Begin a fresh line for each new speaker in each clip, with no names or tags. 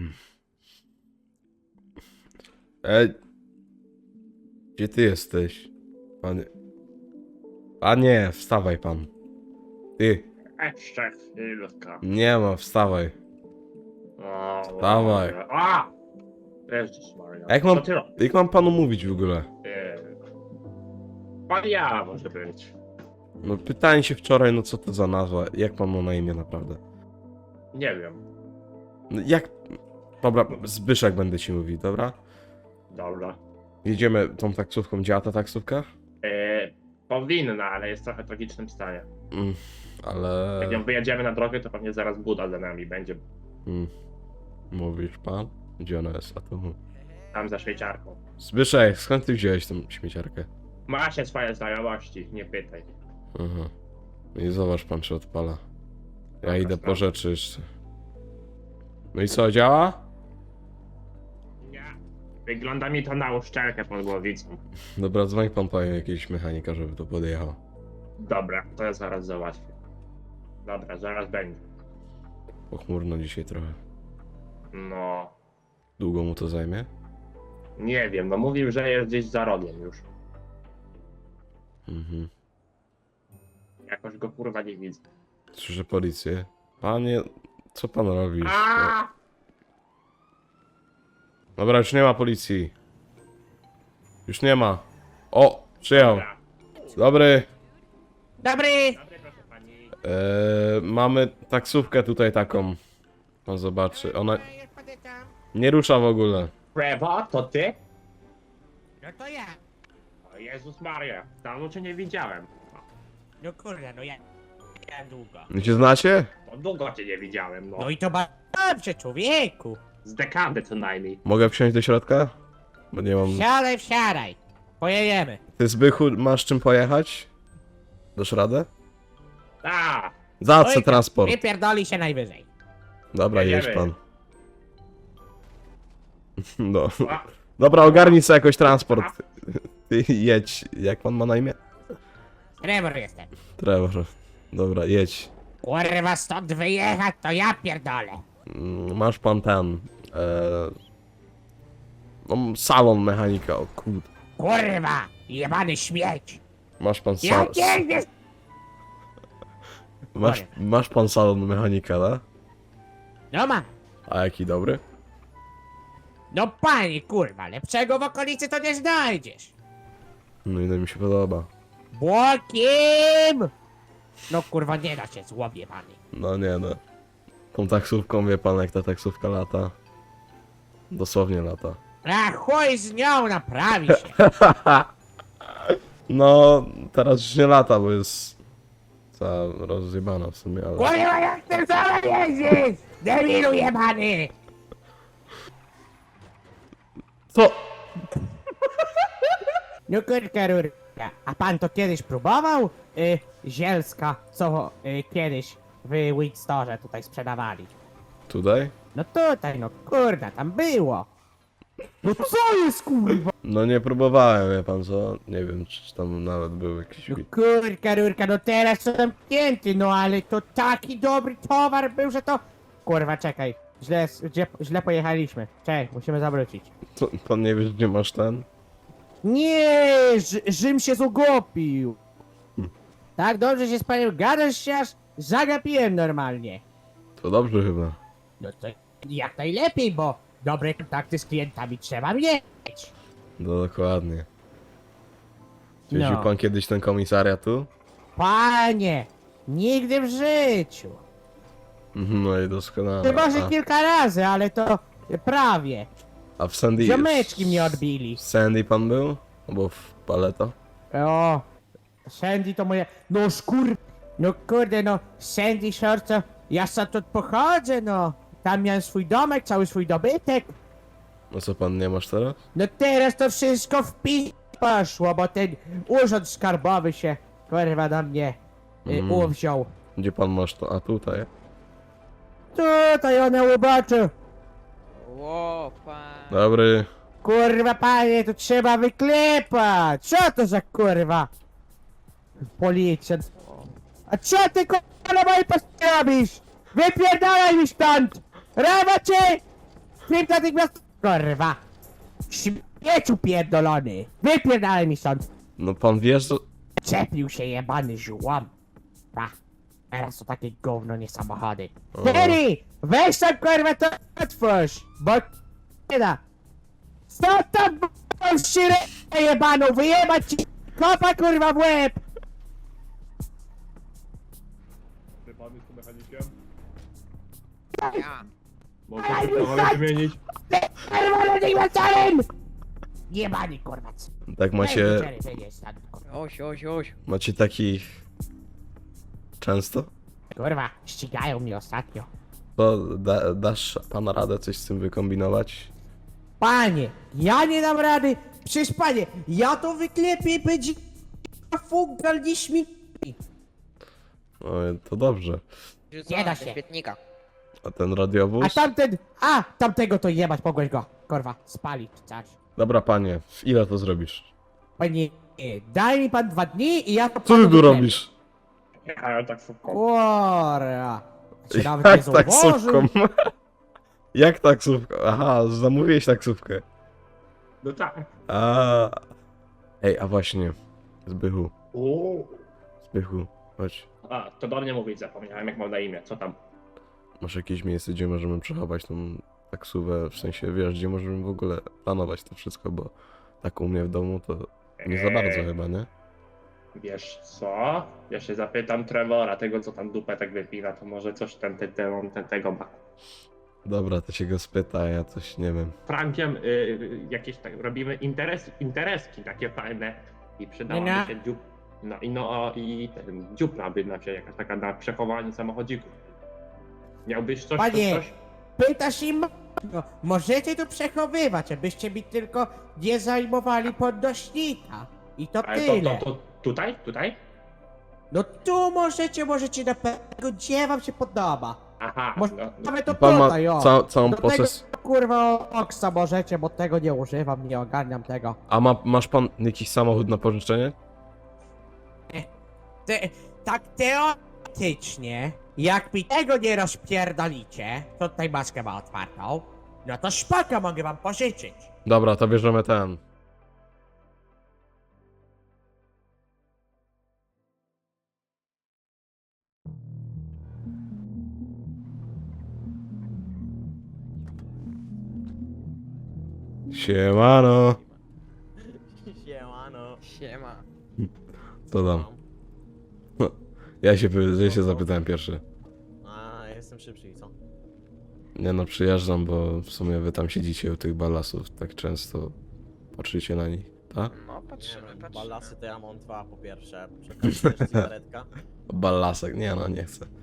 Ej, gdzie ty jesteś? Panie... Panie, wstawaj pan. Ty,
Jeszcze chwilkę.
nie ma, wstawaj.
O,
Wstawaj.
Boże. A! Jezus Maria.
A jak mam,
Co ty robisz?
jak mam panu mówić w ogóle?
Pan ja może być.
No pytałem się wczoraj, no co to za nazwa? Jak pan ma na imię naprawdę?
Nie wiem.
No jak... Dobra, Zbyszek będę ci mówił, dobra?
Dobra.
Jedziemy tą taksówką, działa ta taksówka?
Powinna, ale jest w trochę tragicznym stanie.
Ale...
Jak ją wyjedziemy na drogę, to pewnie zaraz Buda za nami będzie
Mówisz pan? Gdzie ona jest? A tu...
tam za szwajcarką.
Zbyszek, skąd ty wziąłeś tą śmieciarkę?
Ma się swoje znajomości, nie pytaj.
Aha. I zobacz pan, czy odpala. Ja
Dobra,
idę po
sprawdzę.
rzeczy jeszcze. No i co, działa?
Nie. Wygląda mi to na uszczelkę pod głowicą.
Dobra, dzwoń pan po jakiegoś mechanika, żeby to podjechał.
Dobra, to ja zaraz załatwię. Dobra, zaraz będzie.
Pochmurno dzisiaj trochę.
No,
Długo mu to zajmie?
nie wiem, no mówił, że jest gdzieś za rogiem już.
Mhm.
Jakoś go kurwa nie widzę.
Słyszę policję. Panie, co pan robisz?
A!
Dobra, już nie ma policji. Już nie ma. O, przyjechał.
Dobra.
Dobry.
Dobry!
Dobry, proszę pani.
Mamy taksówkę tutaj taką. Pan zobaczy. Ona
Jest patyka.
nie rusza w ogóle.
Trevo, to ty?
No to ja.
O Jezus Maria, dawno cię nie widziałem.
No kurde, no ja długo.
Wy się znacie?
No długo cię nie widziałem, no.
No i to dobrze, człowieku.
Z dekady co najmniej.
Mogę wsiąść do środka? Bo nie mam...
Wsiadaj, wsiadaj. Pojedziemy.
Ty, Zbychu, masz czym pojechać? Dasz radę?
A!
Za co
Oj,
transport?
wypierdoli się najwyżej.
Dobra, jedź
jedziemy.
pan. No.
A,
Dobra, ogarnij sobie jakoś transport. Ty jedź. Jak pan ma na imię?
Trevor jestem.
Trevor. Dobra, jedź.
Kurwa, stąd wyjechać, to ja pierdolę.
Masz pan ten... No, salon mechanika, o kurde.
Kurwa, jebany śmieć.
Masz pan
Ja
salon...
pierdolę.
Masz pan salon mechanika, da?
No ma.
A jaki dobry?
No panie, kurwa, lepszego w okolicy to nie znajdziesz.
No i to mi się podoba.
Błokim! No kurwa, nie da się złobie pany.
No nie no. Tą taksówką, wie pan jak ta taksówka lata? Dosłownie lata.
A chuj z nią, naprawi się.
No, teraz już nie lata, bo jest cała rozjebana w sumie, ale...
Kurwa, jak ty sama jeździsz? Debilu jebany!
Co?
No kurka rurka, a pan to kiedyś próbował? Zielska, co kiedyś w Winstorze tutaj sprzedawali.
Tutaj?
No tutaj, no kurna, tam było. No co jest kurwa?
No nie próbowałem, wie pan co? Nie wiem, czy tam nawet był jakiś...
No kurka rurka, no teraz są zamknięty, no ale to taki dobry towar był, że to... Kurwa, czekaj, źle pojechaliśmy. Czekaj, musimy zawrócić.
Co, pan nie wiesz, gdzie masz ten?
Nie, Rzym się zogopił. Tak dobrze się z panem gadasz się aż zagapiłem normalnie.
To dobrze chyba.
No to jak najlepiej, bo dobre kontakty z klientami trzeba mieć.
No dokładnie. Zwiedził
No.
pan kiedyś ten komisariat tu?
Panie, nigdy w życiu.
No i doskonale.
Chyba, że kilka razy, ale to prawie.
A w Sandy...
Ziomeczki mnie odbili.
W Sandy pan był? Albo w Paleto?
O, Sandy to moje... No No kurde, no Sandy Shore to... Ja stąd pochodzę, no. Tam miałem swój domek, cały swój dobytek.
No co pan nie masz teraz?
No teraz to wszystko w poszło, bo ten urząd skarbowy się, kurwa, na mnie uwziął.
Gdzie pan masz to? A tutaj?
Tutaj one uboczy.
Ło, pan.
Dobry.
Kurwa, panie, to trzeba wyklepać. Co to za kurwa? Policjant. A co ty kurwa na mojej poście robisz? Wypierdalaj mi stąd! Rawa cię! Film natychmiast, kurwa! Śmieciu pierdolony! Wypierdalaj mi stąd!
No pan wie, że...
Czepił się jebany żułam. Pa. Teraz to takie gówno, nie samochody.
O.
Terry! Weź tam kurwa to otwórz! Bo nie da! Stop tam b***ą szyrę jebaną! Wyjebać ci kopa kurwa w łeb!
Ty pan jest tu mechanikiem?
Ja.
Może się trochę wymienić?
Kurwa natychmiastowym! Jebany kurwa.
Tak macie...
Terry, wyjdziesz stąd, kurwa.
Oś.
Macie takich... Często?
Kurwa, ścigają mnie ostatnio.
To dasz pan radę coś z tym wykombinować?
Panie, ja nie dam rady. Przecież panie, ja to wyklepię i będzie fungal nie śmigli.
No to dobrze.
Nie da się.
Do świetnika.
A ten
A
radiowóz?
tamten, tamtego to jebać, mogłeś go, kurwa, spalić czy coś.
Dobra panie, w ile to zrobisz?
Panie, daj mi pan 2 dni i ja to
Co ty
panu
tu
wyklepię.
robisz?
Ja tak szybko.
Kurwa. Się nawet nie
Jak
zauważył.
taksówką? Jak taksówką? Aha, zamówiłeś taksówkę.
No tak.
A. Ej, a właśnie. Zbychu,
Uuu.
Zbychu, chodź.
A, to do mnie mówić zapomniałem, jak mam na imię. Co tam?
Masz jakieś miejsce, gdzie możemy przechować tą taksówę, w sensie, wiesz, gdzie możemy w ogóle planować to wszystko, bo tak u mnie w domu to nie za bardzo chyba, nie?
Wiesz co? Ja się zapytam Trevora, tego co tam dupę tak wypina, to może coś tego ma.
Dobra, to się go spyta, a ja coś nie wiem.
Frankiem jakieś tak robimy intereski takie fajne i przydałaby
Nie.
się dziup. I ten dziupla by nam się jakaś taka na przechowanie samochodzików. Miałbyś coś,
Panie.
coś?
Pytasz im, no, możecie tu przechowywać, abyście mi tylko nie zajmowali podnośnika. I to
Ale
tyle.
to tutaj? Tutaj?
No tu możecie na pewno, gdzie wam się podoba.
Aha,
Może
no,
mamy to
Pan ma
tutaj, o.
całą
Do
proces...
tego, kurwa, oksa możecie, bo tego nie używam, nie ogarniam tego.
A masz pan jakiś samochód na pożyczenie?
Tak teoretycznie, jak mi tego nie rozpierdolicie, to tutaj maskę ma otwartą, no to szpaka mogę wam pożyczyć.
Dobra, to bierzemy ten. Siemano.
Siemano.
Siema.
Co tam? Ja się zapytałem pierwszy.
A, jestem szybszy i co?
Nie no, przyjeżdżam, bo w sumie wy tam siedzicie u tych balasów tak często. Patrzycie na nich, tak?
No, patrzymy.
Ballasy to ja mam 2 po pierwsze. Przekazujesz cigaretka.
Ballasek, nie no, nie chcę.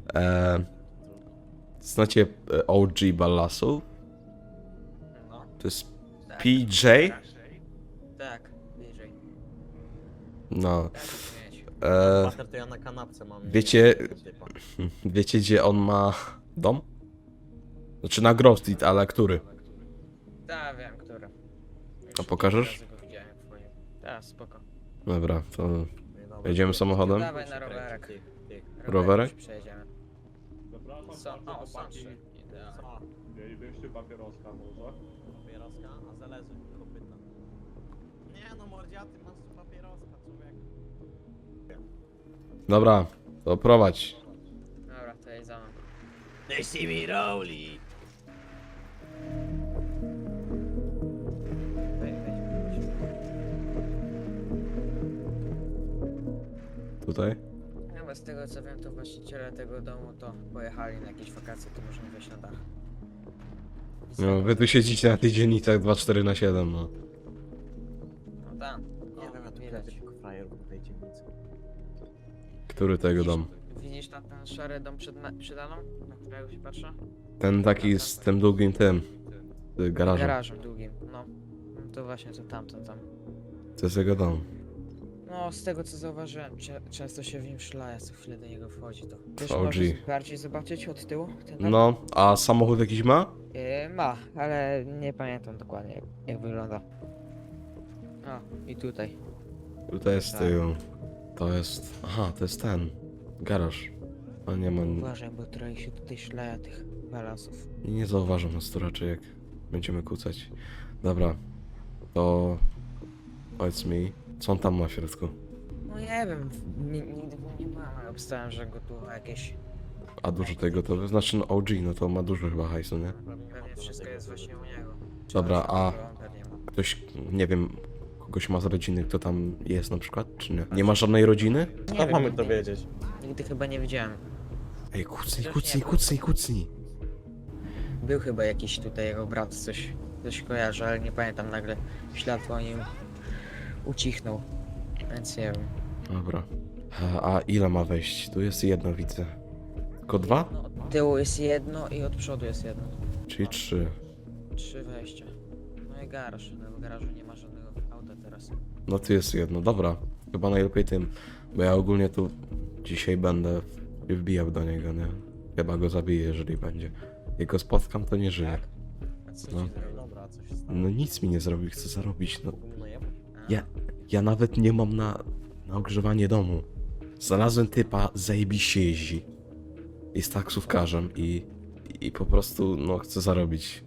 Znacie OG ballasów?
No.
To jest
Tak.
PJ?
Tak, bliżej.
No.
Tak, mieć.
Bater to ja na kanapce mam.
Wiecie-
tego typa.
Wiecie gdzie on ma dom? Znaczy na Grove Street, ale który?
Tak, wiem, który.
A pokażesz?
Kilka razy go widziałem, jak wchodził. Tak, spoko.
Dobra, to
No i dobra.
jedziemy samochodem?
Dawaj na rowerek.
Ty.
Rowerek?
Przejedziemy.
Zapraszam,
O, Sunshine. Idealnie.
Co?
Mielibyście papieroska może?
Papieroska? A zależy kopyta. Nie no mordziaty, masz tu papieroska, człowiek.
Dobra, to prowadź.
Dobra, to jedź za mną.
They see me rolling.
Wejdź.
Tutaj?
No bo z tego co wiem, to właściciele tego domu to pojechali na jakieś wakacje, to możemy wejść na dach. I z
No,
tego,
wy tu siedzicie na tych dzielnicach 24/7, no.
No tam.
Nie wiem, ja tu
widać.
tylko frajerów w tej dzielnicy.
Który tego dom?
Widzisz tam ten szary dom przed Aną? Na którego się patrzę?
Ten taki z tym długim tym. Garażem.
Garażem długim, no. No to właśnie to tamten tam.
To jest jego dom.
No, z tego co zauważyłem, często się w nim szlaja, co chwilę do niego wchodzi to. Wiesz,
OG.
możesz bardziej zobaczyć od tyłu? Ten dom?
No, a samochód jakiś ma?
Ma, ale nie pamiętam dokładnie jak wygląda. O, i tutaj.
Tutaj jest tył. To jest... Aha, to jest ten. Garaż. A nie ma...
Uważaj, bo trochę się tutaj szlaja tych Balasów.
I nie zauważą nas tu raczej, jak będziemy kłócać. Dobra, to powiedz mi, co on tam ma w środku?
No nie wiem, nigdy go nie byłem, ale obstałem, że go tu jakieś...
A dużo tego to znaczy no OG, no to ma dużo chyba hajsu, nie?
Pewnie wszystko jest właśnie u niego.
Dobra, a
On pewnie ma.
ktoś, nie wiem, kogoś ma z rodziny, kto tam jest na przykład, czy nie? Nie ma żadnej rodziny?
Nie
Co
wiem,
mamy
nigdy-
to wiedzieć?
Nigdy chyba nie widziałem.
Ej, kucnij,
Chociaż
kucnij,
nie,
kucnij, kucnij.
Był chyba jakiś tutaj jego brat, coś kojarzy, ale nie pamiętam, nagle ślad po nim ucichnął. Więc nie wiem.
Dobra. A ile ma wejść? Tu jest jedno, widzę. Tylko dwa?
No, od tyłu jest jedno i od przodu jest jedno.
Czyli trzy.
3 wejścia. No i garaż, no w garażu nie ma żadnego auta teraz.
No tu jest jedno, dobra. Chyba najlepiej tym, bo ja ogólnie tu dzisiaj będę wbijał do niego, nie? Chyba go zabiję, jeżeli będzie. Jak go spotkam, to nie żyje.
A co
No.
ci zrobił?
Dobra, co się stało?
No nic mi nie zrobi, chcę zarobić, no.
Mógł mnie najebać?
Ja nawet nie mam na ogrzewanie domu. Znalazłem typa, zajebiście jeździ. Jest taksówkarzem i po prostu, no, chcę zarobić.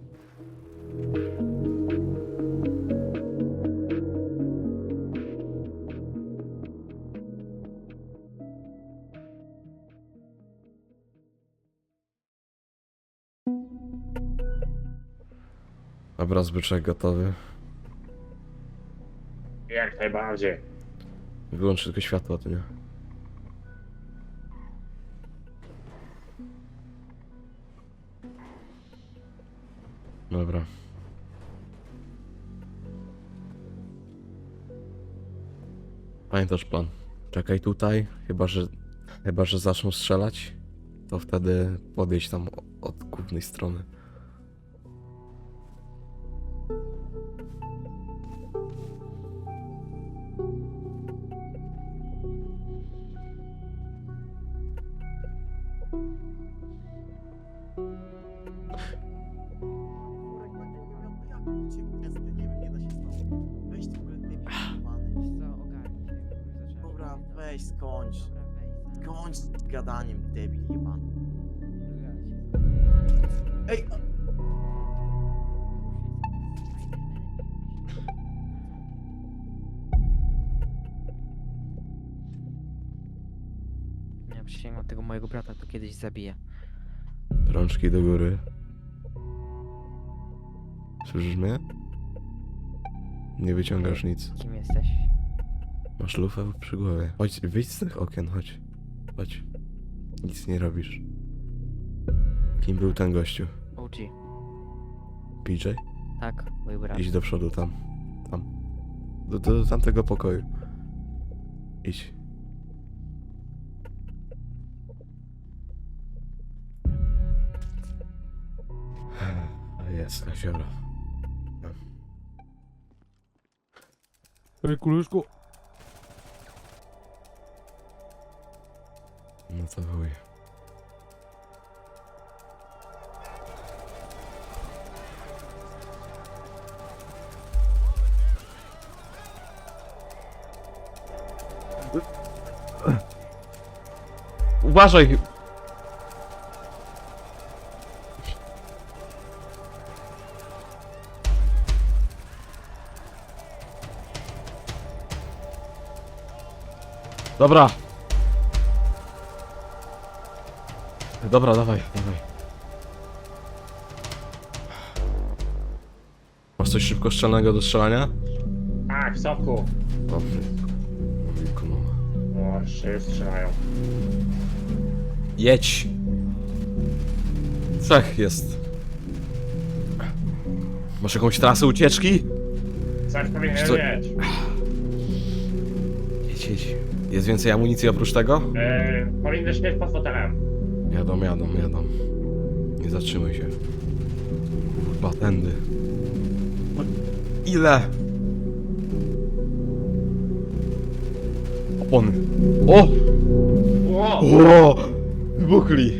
Dobra, zbyczek gotowy.
Jak najbardziej.
Wyłącz tylko światło, to nie? Dobra. Pamiętasz plan? Czekaj tutaj, chyba że zaczną strzelać, to wtedy podejdź tam od głównej strony.
Jak uciekł testy? Nie wiem, nie da się stąd. Weź w ogóle debil jebany.
Co, ogarnij się, zacząłem
Dobra,
się
weź skończ.
Dobra, weź tam.
Skończ z gadaniem, debil jebany. Ej!
Ja przysięgam, tego mojego brata to kiedyś zabije.
Rączki do góry. Słyszysz mnie? Nie wyciągasz nic.
Kim jesteś?
Masz lufę przy głowie. Chodź, wyjdź z tych okien, chodź. Chodź. Nic nie robisz. Kim był ten gościu?
OG.
PJ?
Tak, mój brat.
Idź do przodu, tam. Tam. Do tamtego pokoju. Idź. Jest, kasiora.
Ej, koleżko.
No to chuj. Uważaj! Dobra. Dobra, dawaj, dawaj. Masz coś szybkostrzelnego do strzelania?
Tak, w soku.
O, wilku, no.
O, wszyscy strzelają.
Jedź! Trzech jest. Masz jakąś trasę ucieczki?
Coś powinien
Co?
mieć.
Jedź, jedź. Jest więcej amunicji oprócz tego?
Powinny śmieć pod fotelem.
Jadą. Nie zatrzymuj się. Kurwa, tędy. Ile? Opony. O!
Ło!
O! Wybuchli.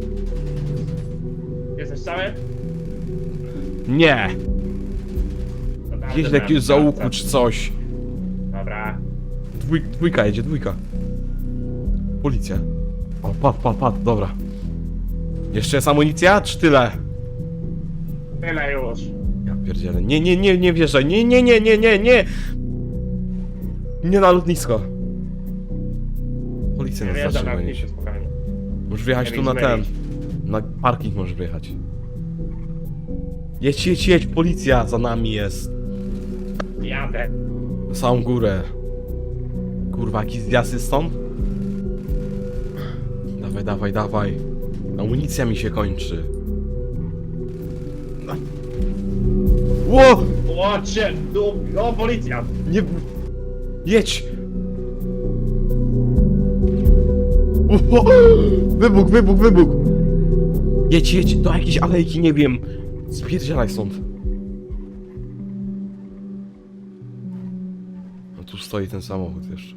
Jesteś cały?
Nie!
Dobra,
Gdzieś
dobra,
jakiegoś
dobra.
załuku czy coś.
Dobra.
Dwójka jedzie, dwójka. Policja. O, padł, dobra. Jeszcze jest amunicja, czy tyle?
Tyle już.
Ja pierdzielę. Nie wierzę. Nie. Nie na lotnisko. Policja
Nie
nas
wjeżdżam na
zatrzyma.
lotnisko, spokojnie.
Możesz wjechać
Nie
tu na
mylić.
ten. Na parking możesz wjechać. Jedź, policja za nami jest.
Jadę.
Na samą górę. Kurwa, jakiś zjazd jest stąd? Dawaj. Amunicja mi się kończy. Ło!
Łocie, o policja.
Nie... Jedź! O! Wybuch! Jedź, do jakiejś alejki, nie wiem. Spierdzielaj stąd. No tu stoi ten samochód jeszcze.